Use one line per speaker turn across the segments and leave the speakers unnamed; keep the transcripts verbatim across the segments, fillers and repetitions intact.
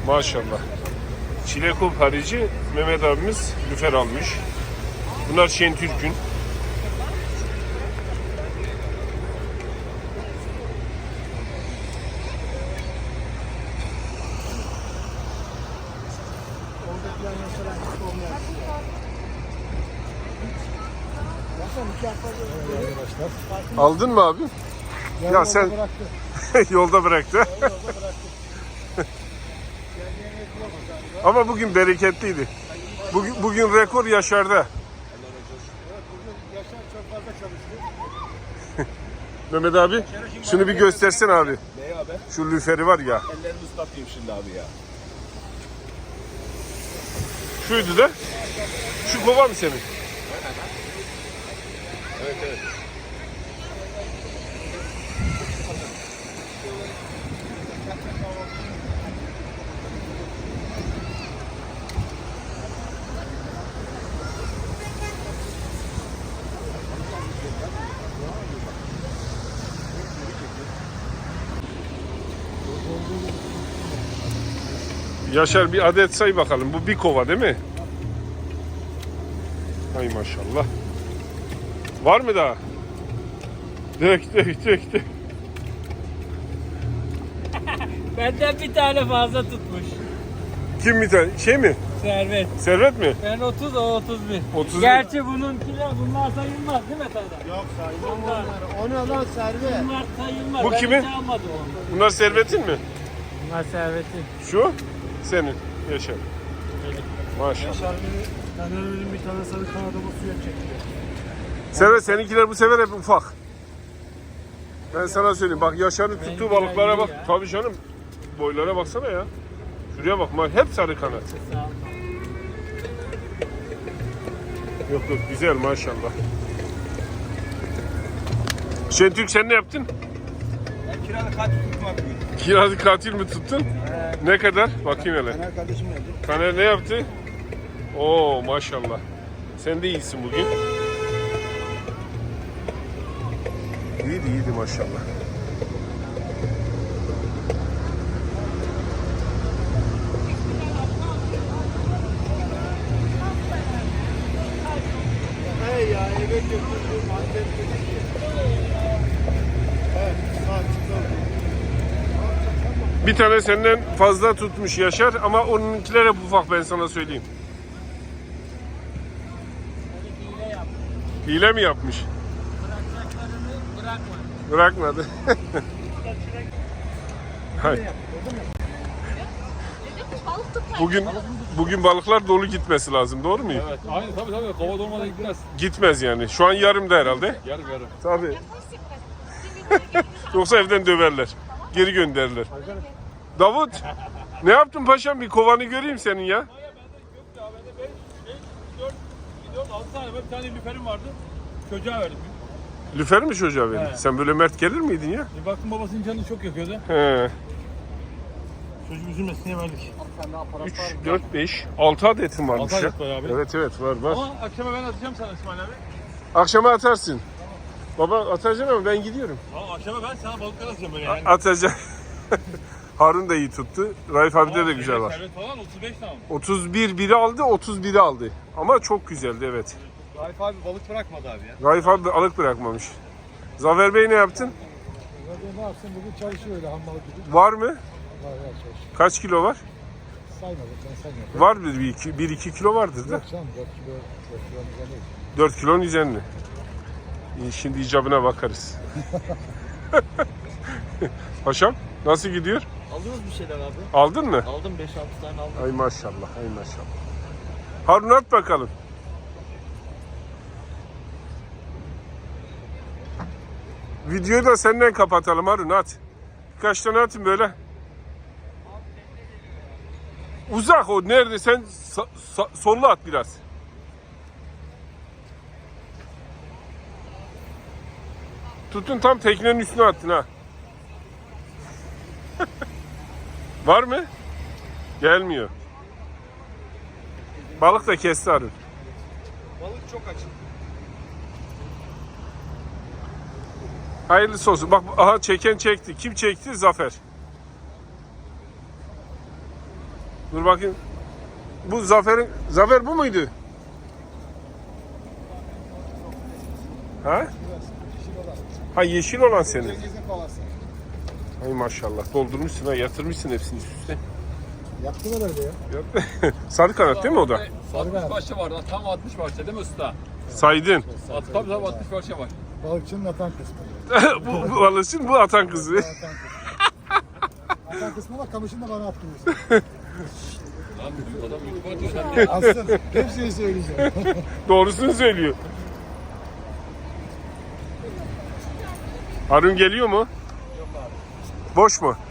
Maşallah. Çilekop harici Mehmet abimiz lüfer almış. Bunlar Şentürk'ün. Aldın mı abi? Ya, ya sen yolda bıraktı. Ama bugün bereketliydi. Bugün, bugün rekor Yaşar'da.
Evet, bugün Yaşar çok fazla çalıştı.
Mehmet abi, şunu bir göstersen abi.
Ne abi?
Şu lüferi var ya.
Ellerimi ıslatayım şimdi abi ya.
Şuydu da. Şu kova mı senin?
Evet evet.
Yaşar bir adet say bakalım. Bu bir kova değil mi? Ay maşallah. Var mı daha? Dök dök dök dök.
Benden bir tane fazla tutmuş.
Kim bir tane? Şey mi?
Servet.
Servet mi?
Ben otuz, o otuz bir.
otuz bir.
Gerçi bununkiler, bunlar sayılmaz değil mi Taylan?
Yok sayılmam onları. O ne lan Servet?
Bunlar sayılmaz.
Bu
Ben
kimin?
hiç almadım onu.
Bunlar Servet'in mi?
Bunlar Servet'in.
Şu? Senin. Yaşar. Maşallah.
Yaşar beni, Taner'in bir tane sarı kanadımı suya çekiyor.
Servet seninkiler bu sefer hep ufak. Ben sana söyleyeyim. Bak Yaşar'ın tuttuğu
Benimkiler
balıklara
iyi
bak.
ya.
Tabii canım. Boylara baksana ya. Şuraya bak. Hep sarı kanat.
Sağ ol.
Yok yok güzel maşallah. Şentürk sen ne yaptın?
Ben kiralık kaç tutmak bugün?
Kiralı katil mi tuttun? Ne kadar? Bakayım hele.
Taner kardeşim geldi.
Taner ne yaptı? Oo maşallah. Sen de iyisin bugün. İyiydi iyiydi maşallah.
Hey ya eve götürdüm annem dedi ki. Evet saat çıkalım.
Bir tane senden fazla tutmuş Yaşar ama onunkiler hep ufak ben sana söyleyeyim.
Hile yap.
Hile mi yapmış?
Bırakacaklarını bırakma.
Bırakmadı. Hay. Bugün bugün balıklar dolu gitmesi lazım, doğru mu?
Evet, aynı tabii tabii. Kova dolmadan gitmez.
Gitmez yani. Şu an yarımda herhalde.
Yarım yarım.
Tabii. Yoksa evden döverler. Geri gönderirler. Davut, ne yaptın paşam? Bir kovanı göreyim senin ya.
Bende yok ya. Bende beş, beş, dört, dört, altı tane. Bir tane lüferim vardı. Çocuğa verdim.
Lüfer mi çocuğa verdin?
He.
Sen böyle mert gelir miydin ya?
Bir baktım babasının canını çok yakıyordu.
He.
Çocuk üzülmesin diye verdik.
üç, dört, beş, altı adetin varmış
Altı
ya.
adet var abi.
Evet evet var var.
Ama akşama ben atacağım sana İsmail abi.
Akşama atarsın. Baba atacaksın ama ben gidiyorum.
Ama akşama ben sana balıklar atacağım böyle yani.
Atacak. Harun da iyi tuttu. Raif abide de güzel var.
Servet falan otuz beş tane.
otuz bir biri aldı, otuz biri aldı. Ama çok güzeldi evet.
Raif abi balık bırakmadı abi ya.
Raif abi de alık bırakmamış. Zafer Bey ne yaptın?
Ne yapsın bugün çalışıyor öyle hammalı gibi.
Var mı?
Var var çalışıyor.
Kaç kilo var?
Saymadım ben saymıyorum.
Var bir, bir iki, bir iki kilo vardır da.
Yok canım dört kilo dört kilo güzel değil.
dört kilonun üzerinde. İyi, şimdi icabına bakarız. Paşam nasıl gidiyor?
Alıyoruz bir şeyler abi.
Aldın mı?
Aldım beş altı tane aldım.
Ay maşallah, ay maşallah. Harun at bakalım. Videoyu da senden kapatalım Harun at. Birkaç tane atın böyle. Uzak o nerede sen sa- sa- sollu at biraz. Tutun tam teknenin üstüne attın ha. Var mı? Gelmiyor. Balık da kesti Harun.
Balık çok açık.
Hayırlısı olsun. Bak aha çeken çekti. Kim çekti? Zafer. Dur bakayım. Bu Zafer'in Zafer bu muydu? Ha? Ha yeşil olan senin.
Cengiz'in kovası.
Ay maşallah doldurmuşsun ha, yatırmışsın hepsini üst üste.
Yaptım herhalde ya.
Yap- Sarı kanat değil mi o da?
altmış parça var. Tam altmış parça değil mi usta?
Saydın.
At, tabii tabii altmış parça var.
Balıkçının atan kısmı.
bu, bu alışın bu atan kızı.
Atan kısmı. Atan kısmı var, kamışını da bana attırıyorsun.
Lan bu adam YouTube'a atıyor. Sen ne?
Aslında hepsini söyleyeceğim.
Doğrusunu söylüyor. Harun geliyor mu? Yok abi. Boş mu?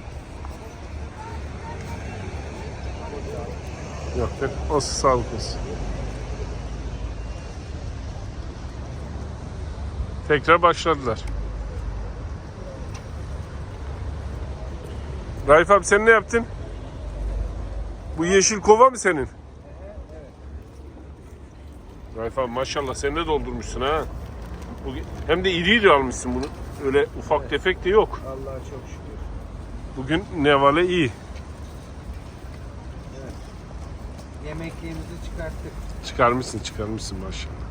Yok. Olsun, sağlık olsun. Tekrar başladılar. Raif abi sen ne yaptın? Bu yeşil kova mı senin? Raif abi maşallah sen de doldurmuşsun ha. Bu- Hem de iri iri almışsın bunu. Öyle ufak tefek de yok.
Allah'a çok şükür.
Bugün nevale iyi.
Yemekliğimizi çıkarttık.
Çıkarmışsın çıkarmışsın maşallah.